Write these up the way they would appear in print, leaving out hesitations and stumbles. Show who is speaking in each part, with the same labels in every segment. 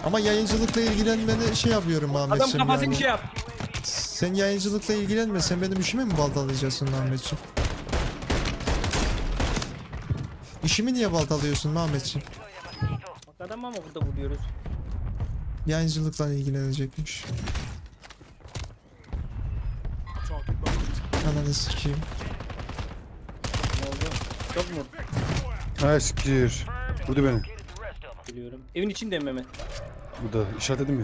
Speaker 1: Ama yayıncılıkla ilgilenmeni şey yapıyorum
Speaker 2: Adam
Speaker 1: Ahmetciğim
Speaker 2: kafasını
Speaker 1: yani.
Speaker 2: bir şey yap.
Speaker 1: Sen yayıncılıkla ilgilenme. Sen benim işimi mi baltalayacaksın Ahmetciğim? İşimi niye baltalıyorsun Ahmetciğim?
Speaker 2: Bak adam ama burada vuruyoruz.
Speaker 1: Yayıncılıkla ilgilenecekmiş. Ananı sikeyim.
Speaker 2: Ne oldu? Çok mu?
Speaker 3: Ha siktir. Vurdu beni.
Speaker 2: Biliyorum. Evin içinde mi Mehmet?
Speaker 3: Bu da işaretledim ya.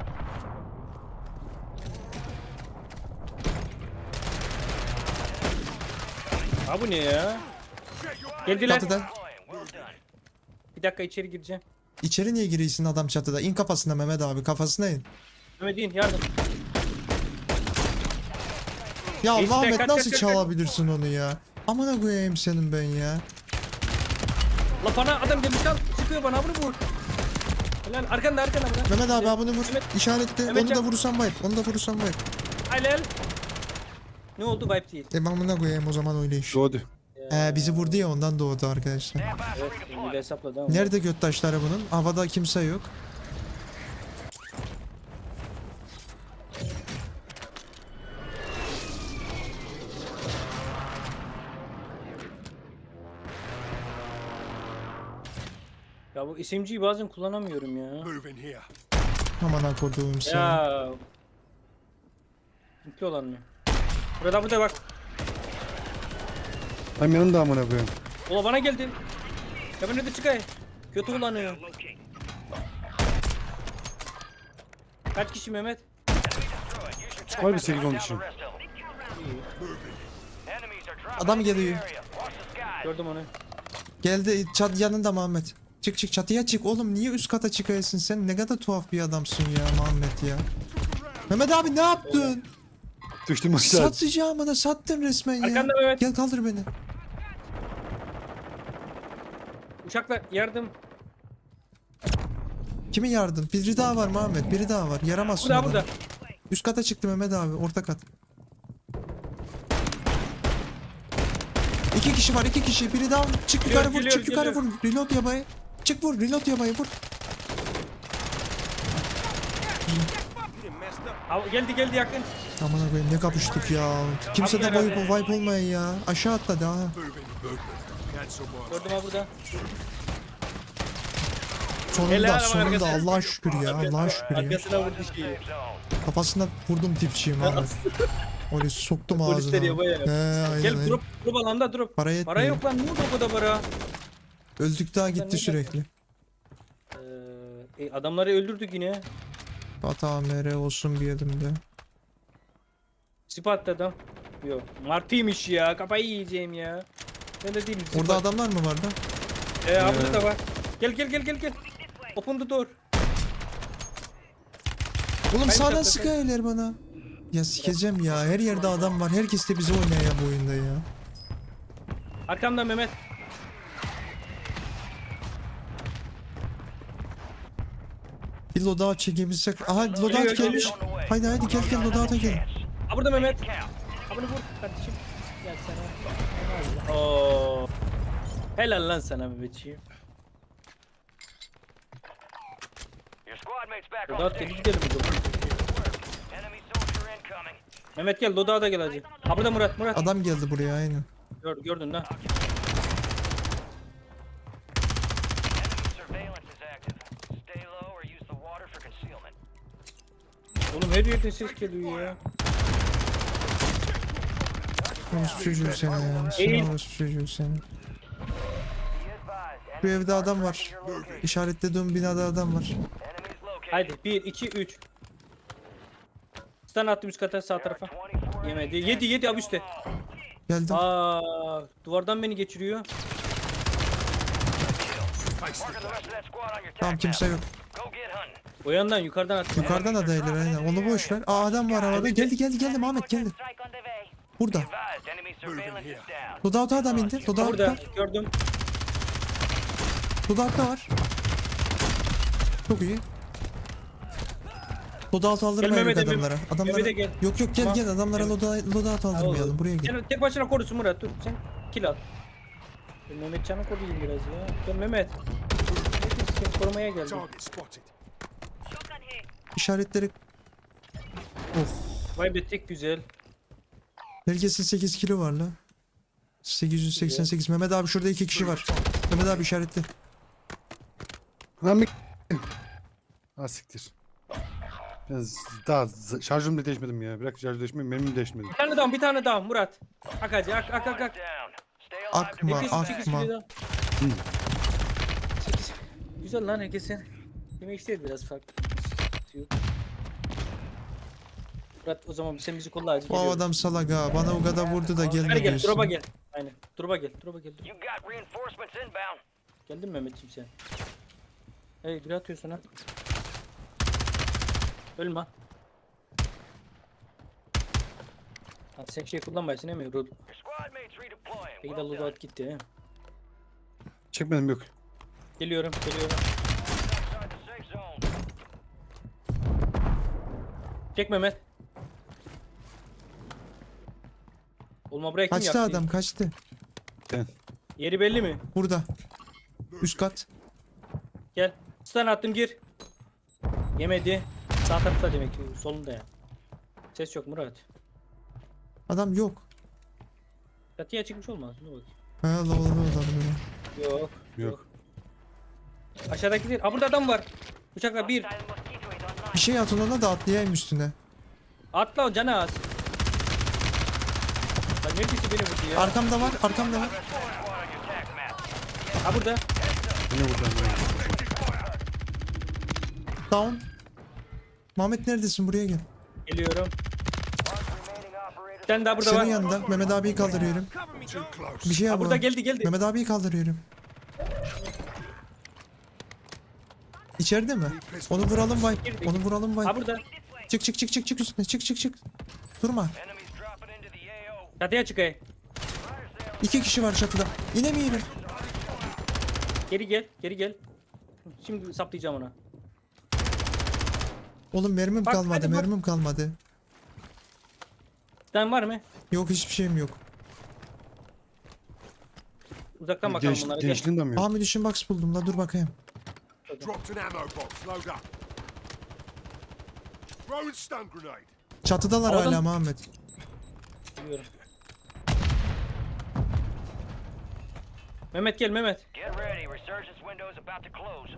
Speaker 2: Ha bu ne ya? Geldiler.
Speaker 1: Çatıda.
Speaker 2: Bir dakika içeri gireceğim.
Speaker 1: İçeri niye giriyorsun adam çatıda? İn kafasına Mehmet abi, kafasına in.
Speaker 2: Mehmet in yardım.
Speaker 1: Ya
Speaker 2: İşte,
Speaker 1: Ahmet
Speaker 2: kaç,
Speaker 1: nasıl
Speaker 2: kaç, kaç,
Speaker 1: çalabilirsin onu ya? Amına koyayım senin ben ya.
Speaker 2: La bana adam gelmiş al. Sıkıyor bana bunu vur. Helal arkanda bırak.
Speaker 1: Mehmet abi abını vur.
Speaker 2: Mehmet-
Speaker 1: İşaretle.
Speaker 2: Mehmet
Speaker 1: Onu da
Speaker 2: can-
Speaker 1: vurursan bayıp. Onu da vurursan bayıp.
Speaker 2: Helal. Ne oldu vibe değil.
Speaker 1: Amına koyayım o zaman öyle iş.
Speaker 3: Doğdu.
Speaker 1: Bizi vurdu ya ondan doğdu arkadaşlar.
Speaker 2: Evet bir de hesapladı ama.
Speaker 1: Nerede göt taşları bunun? Havada kimse yok.
Speaker 2: Ya bu SMG'yi bazen kullanamıyorum ya.
Speaker 1: Aman koduğum seni.
Speaker 2: Ya. Mutlu olan mı? Burada bak.
Speaker 3: Hem yanında amına koyayım.
Speaker 2: Ola bana geldin. Ya ben ne de çıkay. Kötü kullanıyor. Kaç kişi Mehmet?
Speaker 3: Var bir 8-10 kişi.
Speaker 1: Adam geliyor.
Speaker 2: Gördüm onu.
Speaker 1: Geldi çat yanında Muhammed. Çık çık çatıya çık oğlum, niye üst kata çıkıyorsun sen? Ne kadar tuhaf bir adamsın ya Muhammed ya. Mehmet abi ne yaptın?
Speaker 3: Düştüm aşağı.
Speaker 1: Satacağım bana, sattın resmen ya.
Speaker 2: Arkanda Mehmet.
Speaker 1: Gel kaldır beni.
Speaker 2: Uçakla yardım.
Speaker 1: Kimin yardım? Biri daha var Muhammed, biri daha var. Yaramazsın
Speaker 2: Burada
Speaker 1: adamı.
Speaker 2: burada.
Speaker 1: Üst kata çıktı Mehmet abi, orta kat. 2 kişi var, 2 kişi. Biri daha. Çık yukarı vur,
Speaker 2: Geliyor,
Speaker 1: çık yukarı
Speaker 2: geliyor.
Speaker 1: vur. Reload yabayı. Çık vur, reload yabayı vur.
Speaker 2: Geldi yakın.
Speaker 1: Aman koyayım ne kapıştık ya. Kimse de
Speaker 2: Abi herhalde.
Speaker 1: wipe olmayan ya. Aşağı atladı ha.
Speaker 2: Gördüm ha burada.
Speaker 1: Sonunda,
Speaker 2: Helal ama
Speaker 1: sonunda
Speaker 2: arkasına.
Speaker 1: Allah'a şükür ya. Allah'a şükür ya.
Speaker 2: Arkasına vurdu şeyi.
Speaker 1: Kafasına vurdum tipçiyim abi. Öyle soktum ağzına.
Speaker 2: Polisler yabaya ya.
Speaker 1: Aynen,
Speaker 2: Gel
Speaker 1: aynen.
Speaker 2: drop alanda drop.
Speaker 1: Para yetmiyor.
Speaker 2: Para yok lan, ne oldu o kadar para?
Speaker 1: Öldük daha
Speaker 2: Sen
Speaker 1: gitti
Speaker 2: ne
Speaker 1: sürekli.
Speaker 2: Adamları öldürdük yine.
Speaker 1: Hata mere olsun bir elimde.
Speaker 2: Sipattı adam. Yok. Martıymış ya. Kafayı yiyeceğim ya. Ben de değilim.
Speaker 1: Orada adamlar mı vardı?
Speaker 2: Burada da var. Gel. Open the door.
Speaker 1: Oğlum
Speaker 2: Hayır,
Speaker 1: sağdan
Speaker 2: zaten-
Speaker 1: sıkıyorlar bana. Ya sikeceğim ya. Her yerde adam var. Herkes de bize oynuyor ya bu oyunda ya.
Speaker 2: Arkamda Mehmet.
Speaker 1: Bir loadout çekebilsek. Aha loadout
Speaker 2: Geliyor,
Speaker 1: gelmiş. Haydi gel loadout'a gel.
Speaker 2: Ha burada Mehmet. Ha bunu vur kardeşim. Gel sana. Oo. Helal lan sana Mehmetciğim. Loadout gel gidelim o zaman. Mehmet gel loadout'a gel hacı. Ha burada Murat.
Speaker 1: Adam geldi buraya aynen.
Speaker 2: Gördün lan. Oğlum her yerden ses geliyor ya.
Speaker 1: Orospu çocuğu seni ya.
Speaker 2: Eğil.
Speaker 1: Sen orospu çocuğu seni. Bu evde adam var. İşaretlediğim binada adam var.
Speaker 2: Haydi 1 2 3. Stun attım üst kata sağ tarafa. Yemedi. Yedi abi üstte.
Speaker 1: Geldim.
Speaker 2: Duvardan beni geçiriyor.
Speaker 1: Tamam kimse yok.
Speaker 2: O yandan yukarıdan attım.
Speaker 1: Yukarıdan adaylar aynen. Onu boş ver. Adam var havada. Geldi Muhammed geldi. Burada. Loadout'a adam indi.
Speaker 2: Burada
Speaker 1: Loadout'ta.
Speaker 2: gördüm.
Speaker 1: Loadout'ta var. Çok iyi. Loadout aldırmayalım
Speaker 2: Mehmet'e bir-
Speaker 1: adamlara. Adamlara.
Speaker 2: Mehmet'e gel.
Speaker 1: Yok gel
Speaker 2: Tamam.
Speaker 1: gel adamlara
Speaker 2: Evet.
Speaker 1: loadout aldırmayalım. Buraya gel.
Speaker 2: Sen tek başına korusun Murat, dur sen kill al. Ben Mehmet Can'ı koruyayım biraz ya. Gel Mehmet. Seni korumaya geldim.
Speaker 1: İşaretleri... Of.
Speaker 2: Kaybettik güzel.
Speaker 1: Herkesin 8 kilo var la. 888. Mehmet abi şurada 2 kişi var. Mehmet abi işaretli.
Speaker 3: Lan bir... Ha siktir. Biraz daha şarjım da değişmedim ya. Bırak şarjı değişmedim, benim de değişmedim.
Speaker 2: Bir tane daha Murat. Ak hacı ak.
Speaker 1: Akma
Speaker 2: Sekiz
Speaker 1: akma.
Speaker 2: kilo daha. 8. Güzel lan herkesin. Yemek istedi biraz farklı. Murat o zaman sen bizi kolla hacı.
Speaker 1: Bu
Speaker 2: geliyorum.
Speaker 1: adam salak ha. Bana o kadar vurdu da
Speaker 2: Gel
Speaker 1: gelme
Speaker 2: gel drop'a
Speaker 1: diyorsun.
Speaker 2: gel. Aynen. Drop'a gel. Dur.
Speaker 4: You got reinforcements inbound.
Speaker 2: Geldin mi Mehmetciğim sen? Hey bir atıyorsun ha. Ölme. Ha, sen şey kullanmayasın değil mi? Rod.
Speaker 4: Your squad mates redeploying.
Speaker 2: Peki de
Speaker 4: Well done.
Speaker 2: loadout gitti he.
Speaker 3: Çekmedim yok.
Speaker 2: Geliyorum.
Speaker 4: Outside the safe zone.
Speaker 2: Çek Mehmet. Olma buraya kim
Speaker 1: Kaçtı
Speaker 2: yaktı?
Speaker 1: adam kaçtı.
Speaker 3: Ben.
Speaker 2: Yeri belli mi?
Speaker 1: Burada. Üst kat.
Speaker 2: Gel. Stun attım gir. Yemedi. Sağ tarafta demek ki solunda ya. Ses yok Murat.
Speaker 1: Adam yok.
Speaker 2: Çatıya çıkmış olmaz. Dur bakayım.
Speaker 1: Ha la adam böyle.
Speaker 2: Yok.
Speaker 3: Yok.
Speaker 2: Aşağıdaki değil. Aa burada adam var. Bıçakla bir.
Speaker 4: Silent mosquito is online.
Speaker 1: Bir şey at ona da atlayayım üstüne.
Speaker 2: Atla o canı az. Lan neredeyse beni vurdu ya.
Speaker 1: Arkamda var.
Speaker 4: Squad on your attack map.
Speaker 2: Ha burada.
Speaker 3: Yine buradan.
Speaker 1: Down. Muhammed neredesin? Buraya gel.
Speaker 2: Geliyorum.
Speaker 4: Remaining operators.
Speaker 2: Sen daha burada
Speaker 1: Senin
Speaker 2: var.
Speaker 1: yanında. Mehmet abiyi kaldırıyorum. Bir şey
Speaker 2: Ha
Speaker 1: yap.
Speaker 2: burada
Speaker 1: ona.
Speaker 2: geldi.
Speaker 1: Mehmet abiyi kaldırıyorum. İçeride mi? Onu vuralım vay. Onu vuralım vay.
Speaker 2: Ha burada.
Speaker 1: Çık üstüne. Çık. Durma.
Speaker 4: Enemies dropping into the AO.
Speaker 2: Çatıya çıkayım.
Speaker 1: 2 kişi var çatıda. İnemeyelim.
Speaker 2: Geri gel. Şimdi saplayacağım ona.
Speaker 1: Oğlum mermim
Speaker 2: Bak,
Speaker 1: kalmadı.
Speaker 2: hadi bak.
Speaker 1: Mermim kalmadı.
Speaker 2: Sen var mı?
Speaker 1: Yok hiçbir şeyim yok.
Speaker 2: Uzaktan bakalım bunlara. Gel.
Speaker 3: Gençliğinden mi yok?
Speaker 1: Aa munition box buldum la dur bakayım.
Speaker 5: Dropped an ammo box. Load up. Throwing stun grenade.
Speaker 1: Çatıdalar
Speaker 2: Havadan-
Speaker 1: hala Muhammed.
Speaker 2: Biliyorum. Mehmet gel Mehmet.
Speaker 4: Get ready. Resurgence window is about to close.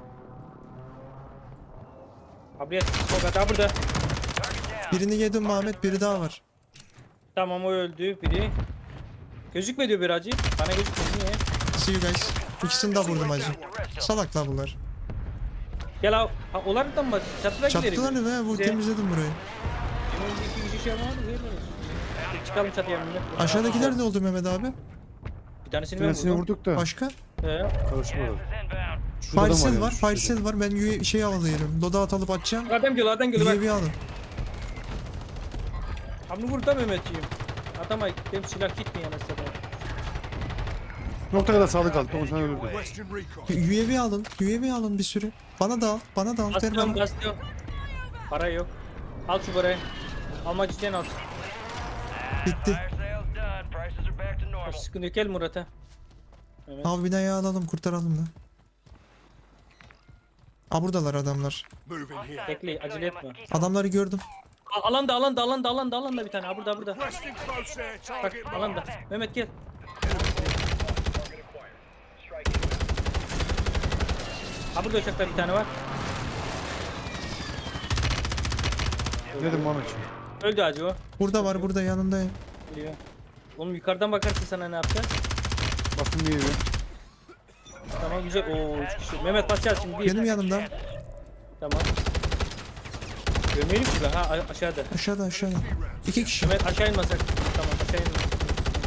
Speaker 2: Abriye sokak ha burada.
Speaker 4: Target down.
Speaker 1: Birini yedim Muhammed, biri daha var.
Speaker 2: Tamam o öldü biri. Gözükme diyor bir hacı. Bana gözükmüyor niye?
Speaker 1: See you guys. İkisini de vurdum hacı. Salaklar bunlar.
Speaker 2: Gel ha. Ha onlardan mı? Çatıda gidelim.
Speaker 1: Çattılar mı? Vur
Speaker 2: Bize-
Speaker 1: temizledim burayı.
Speaker 2: Benim önce iki kişi şey yapamadı. Çıkalım çatıya Mehmet.
Speaker 1: Aşağıdakiler ne oldu Mehmet abi?
Speaker 2: Bir tanesini
Speaker 3: Bir
Speaker 2: ben
Speaker 3: tanesini
Speaker 2: vurdum.
Speaker 3: vurduk da.
Speaker 1: Başka?
Speaker 3: Karışık
Speaker 4: Gas
Speaker 3: oldu.
Speaker 4: is inbound.
Speaker 3: Şurada adam
Speaker 1: Firesel
Speaker 3: yani,
Speaker 1: var,
Speaker 3: şu şurada.
Speaker 1: Firesel var. Ben şey alıyorum. Loadout alıp atacağım.
Speaker 2: Adam geliyor bak.
Speaker 1: UAV alın.
Speaker 2: Hamle vur da Mehmetciğim. Adama benim silah gitmiyor anasını.
Speaker 3: Nokta kadar sağlık aldı. Onu sana öldürdü.
Speaker 5: Western recon.
Speaker 1: UAV alın bir sürü. Bana da al, ver
Speaker 2: Bastıyorum.
Speaker 1: bana.
Speaker 2: Para yok. Al şu parayı. Almak isteyen al.
Speaker 1: Bitti.
Speaker 4: Fire sales done. Prices are back to normal.
Speaker 2: Sıkıntı yok gel Murat'a. Evet.
Speaker 1: Al binayı alalım, kurtaralım da. Aa buradalar adamlar.
Speaker 5: Moving here.
Speaker 2: Bekle acele etme.
Speaker 1: Adamları gördüm.
Speaker 2: Alanda bir tane. Ha burada.
Speaker 5: Requesting close air.
Speaker 2: Bak
Speaker 5: Target marked.
Speaker 2: alanda. Mehmet gel. Ha burada uçakta bir tane var.
Speaker 3: Dedim Muhammedciğim.
Speaker 2: Öldü hacı o.
Speaker 1: Burada yanındayım.
Speaker 2: Geliyor. Oğlum yukarıdan bakarsın sana ne yapacağız?
Speaker 3: Bastım diye yiyor.
Speaker 2: Tamam güzel. Oo 3 kişi. Mehmet basacağız şimdi. Bir.
Speaker 1: Benim yanımda.
Speaker 2: Tamam. Görmeyelim ki ben. Ha aşağıda.
Speaker 1: Aşağıda. 2 kişi.
Speaker 2: Mehmet aşağı inmasak. Tamam aşağı inmasak.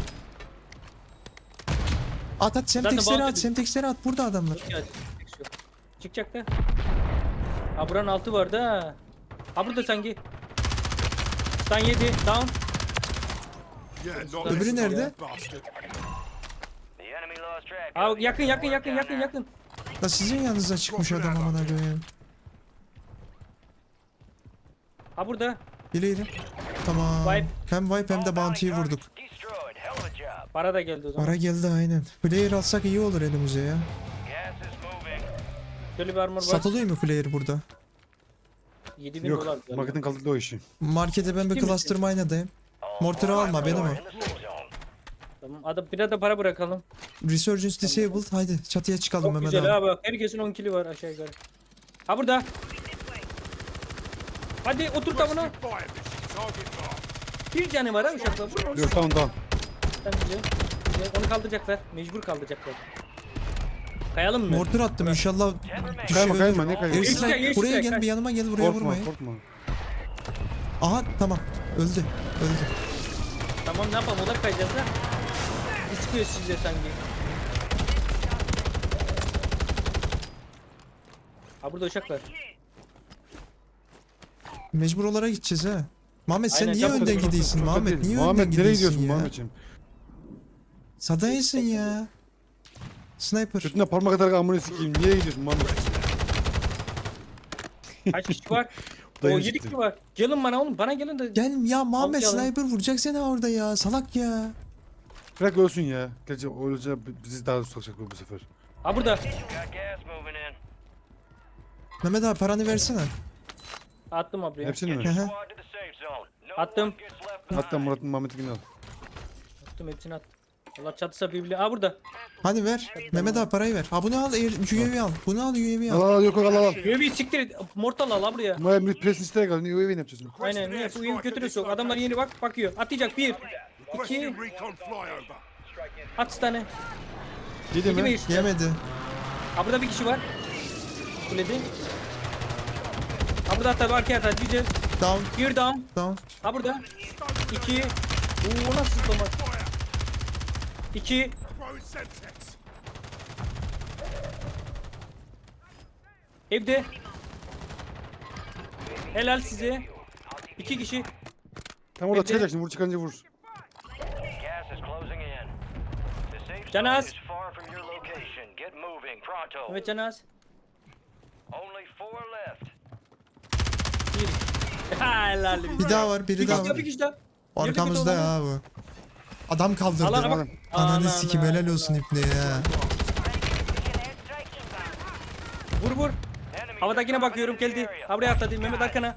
Speaker 1: At semteksleri
Speaker 2: bağlı
Speaker 1: at. Semteksleri at. Burada adamlar.
Speaker 2: Ya, çıkacak da. Ha buranın altı var da. Ha burada sanki. Stun yedi. Down.
Speaker 5: Yeah, not
Speaker 1: Öbürü
Speaker 5: this
Speaker 1: nerede?
Speaker 5: bastard.
Speaker 4: The enemy lost track.
Speaker 2: Ha yakın.
Speaker 1: Da sizin yanınıza çıkmış adam amına koyayım.
Speaker 2: Ha burada.
Speaker 1: Bileydim. Tamam.
Speaker 2: Wipe.
Speaker 1: Hem wipe hem de bounty'yi vurduk.
Speaker 4: Destroyed. Hell of a job.
Speaker 2: Para da geldi o zaman.
Speaker 1: Para geldi aynen. Player alsak iyi olur elimize ya.
Speaker 4: Gas is moving.
Speaker 2: Şöyle bir armor var.
Speaker 1: Satılıyor mu player burada?
Speaker 2: 7000
Speaker 3: Yok.
Speaker 2: dolar. diyor.
Speaker 3: Marketin kaldırdı o işi.
Speaker 1: Markete ben bir
Speaker 2: Ciddi
Speaker 1: cluster mine'dayım. Mortarı alma benim o.
Speaker 4: In the safe zone.
Speaker 2: Tamam. Adam biraz da para bırakalım.
Speaker 1: Resurgence disabled. Haydi çatıya çıkalım
Speaker 2: Çok
Speaker 1: Mehmet
Speaker 2: güzel
Speaker 1: abi.
Speaker 2: ha bak. Herkesin 10 kili var aşağı yukarı. Ha burada. Hadi otur tavana.
Speaker 5: Fire mission. Target mark.
Speaker 2: Bir canı var ha uşakla. Vur.
Speaker 3: Yok tamam.
Speaker 2: Tamam, güzel. Güzel. Onu kaldıracaklar. Mecbur kaldıracaklar. Kayalım mı?
Speaker 1: Mortar attım inşallah
Speaker 3: Kayma
Speaker 1: düşüyor.
Speaker 3: kayma ne kayma.
Speaker 1: Airstrike,
Speaker 2: Airstrike,
Speaker 1: buraya
Speaker 2: airstrike,
Speaker 1: gel
Speaker 2: kaç.
Speaker 1: bir yanıma gel buraya
Speaker 3: Korkma
Speaker 1: vurmayın.
Speaker 3: korkma.
Speaker 1: Aha tamam öldü. Öldü.
Speaker 2: Tamam ne yapalım? Olar kayacağız da. Bir sıkıyor size sanki. Ha burada uşak var.
Speaker 1: Mecbur olarak gideceğiz ha. Muhammed sen
Speaker 2: Aynen,
Speaker 1: niye
Speaker 2: çok
Speaker 1: önden
Speaker 2: kötü,
Speaker 1: gidiyorsun
Speaker 3: Çok
Speaker 1: Muhammed?
Speaker 3: kötü.
Speaker 1: Niye
Speaker 3: Muhammed
Speaker 1: önden
Speaker 3: nereye
Speaker 1: gidiyorsun
Speaker 3: gidiyorsun
Speaker 1: ya?
Speaker 3: Muhammedciğim?
Speaker 1: Sadaysın ya. Sniper.
Speaker 3: Götüne parmak kadar amına sikeyim. Niye gidiyorsun Muhammed?
Speaker 2: Kaç kişi var?
Speaker 3: Bu da
Speaker 2: O
Speaker 3: yeni
Speaker 2: 7
Speaker 3: çıktı.
Speaker 2: kişi var. Gelin bana oğlum. Bana gelin de.
Speaker 1: Gel ya Muhammed
Speaker 2: Al,
Speaker 1: sniper vuracak seni orada ya. Salak ya.
Speaker 3: Bırak ölsün ya. Gerçi öylece bizi daha tutacak bu sefer.
Speaker 2: Ha burada.
Speaker 4: Got gas moving in.
Speaker 1: Mehmet abi paranı versene.
Speaker 2: Attım abi.
Speaker 3: Hepsini mi?
Speaker 1: Hı hı.
Speaker 4: Squad to the safe zone. No
Speaker 2: Attım.
Speaker 4: one gets left behind.
Speaker 3: Hatta Murat'ın Muhammed'inkini al.
Speaker 2: Attım hepsini attım. Allah çatısa birbirine. Ha burada.
Speaker 1: Hadi ver. Mehmet abi parayı ver. Ha bunu al UAV al. Bunu al UAV
Speaker 3: Al
Speaker 1: al.
Speaker 3: al yok al al.
Speaker 2: UAV'yi siktir et. Mortal al ha buraya.
Speaker 3: Muhammed Pres'in isteye kal. Niye UAV ne yapacaksın?
Speaker 2: Aynen. Ne? Bu UAV götürür sok. Adamlar yeni bak bakıyor. Atlayacak. 1 2
Speaker 5: Requesting recon flyover.
Speaker 2: at tane.
Speaker 3: Yedi
Speaker 2: Yedi mi
Speaker 3: mi?
Speaker 2: işte?
Speaker 1: Yemedi.
Speaker 2: Ha burada bir kişi var. Kulede. Ha burada hatta arkaya atar. Güzel.
Speaker 1: Down.
Speaker 2: Bir down.
Speaker 1: Down.
Speaker 2: Ha burada. 2. Oo nasıl zıplama? 2.
Speaker 5: Throwing Semtex.
Speaker 2: Evde. Helal size. 2 kişi.
Speaker 3: Tam orada
Speaker 2: Evde.
Speaker 3: çıkacak şimdi vur çıkınca vur.
Speaker 4: Gas is closing in. The safe zone
Speaker 2: Canaz.
Speaker 4: is far from your location. Get moving pronto.
Speaker 2: Evet Canaz.
Speaker 4: Only 4 left.
Speaker 2: 1. Helal.
Speaker 1: Bir daha var. Biri
Speaker 2: Bir
Speaker 1: daha
Speaker 2: kişi daha,
Speaker 1: var.
Speaker 2: bir kişi daha.
Speaker 1: Arkamızda
Speaker 2: Nerede
Speaker 1: ya bu. Adam kaldırdı.
Speaker 2: Alana bak.
Speaker 3: Adam.
Speaker 1: Ananı sikim helal olsun ipne ya.
Speaker 2: Vur vur.
Speaker 4: Enemies
Speaker 2: Havadakine
Speaker 4: are
Speaker 2: bakıyorum
Speaker 4: dropping
Speaker 2: geldi.
Speaker 4: into the area.
Speaker 2: Ha buraya atladı. Mehmet arkana.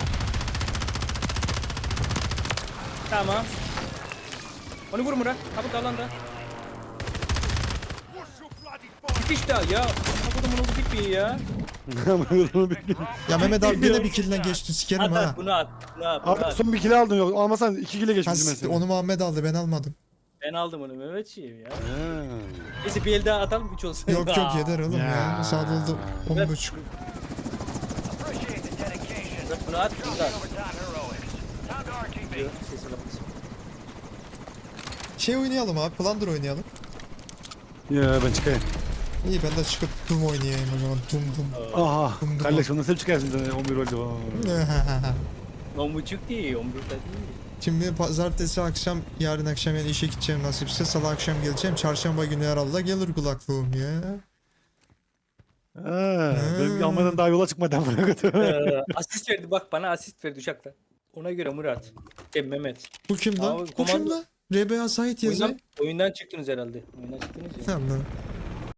Speaker 2: Tamam. Onu vur Murat. Ha burada alanda.
Speaker 5: What's your bloody fire?
Speaker 2: Bir kişi daha ya. Amına kodumun oğlu bitmiyor ya.
Speaker 1: Ya Mehmet abi yine bir killine geçti sikerim
Speaker 2: At
Speaker 1: ha.
Speaker 2: at bunu at. Bunu at. Bunu
Speaker 3: Abi
Speaker 2: at.
Speaker 3: son bir kilo aldın yok. Almasan 2 kilo
Speaker 1: Ha,
Speaker 3: geçmiştim ben
Speaker 1: siktir,
Speaker 3: seni.
Speaker 1: onu Muhammed aldı ben almadım.
Speaker 2: Ben aldım onu Mehmetçiğim ya.
Speaker 3: Ha.
Speaker 2: Neyse bir el daha atalım 3 olsun.
Speaker 1: Yok yok yeter oğlum ya.
Speaker 3: Ya.
Speaker 1: Saat oldu 10.30.
Speaker 4: Appreciate the dedication.
Speaker 2: Bunu at. Bunu at.
Speaker 4: Overtime heroics. Time to RTB.
Speaker 2: Diyor, sesi kapat.
Speaker 1: Şey oynayalım abi. Plunder oynayalım.
Speaker 3: Ya ben çıkayım.
Speaker 1: İyi ben de çıkıp Doom oynayayım o zaman. Doom.
Speaker 3: Aha. Kardeş ondan sen çıkarsın zaten 11 oldu.
Speaker 2: 10.30 değil 11'de değil.
Speaker 1: Şimdi pazartesi akşam, yarın akşam yani işe gideceğim nasipse. Salı akşam geleceğim. Çarşamba günü herhalde gelir kulaklığım ya.
Speaker 3: Benim Almanya'dan daha yola çıkmadan buna götür.
Speaker 2: Asist verdi bak bana asist verdi uçakta. Ona göre Murat. Mehmet.
Speaker 1: Bu kim lan?
Speaker 2: Abi,
Speaker 1: Bu kim
Speaker 2: komando-
Speaker 1: lan? RBA Sait yazıyor.
Speaker 2: Oyundan çıktınız herhalde. Oyundan çıktınız ya.
Speaker 1: Tamam lan.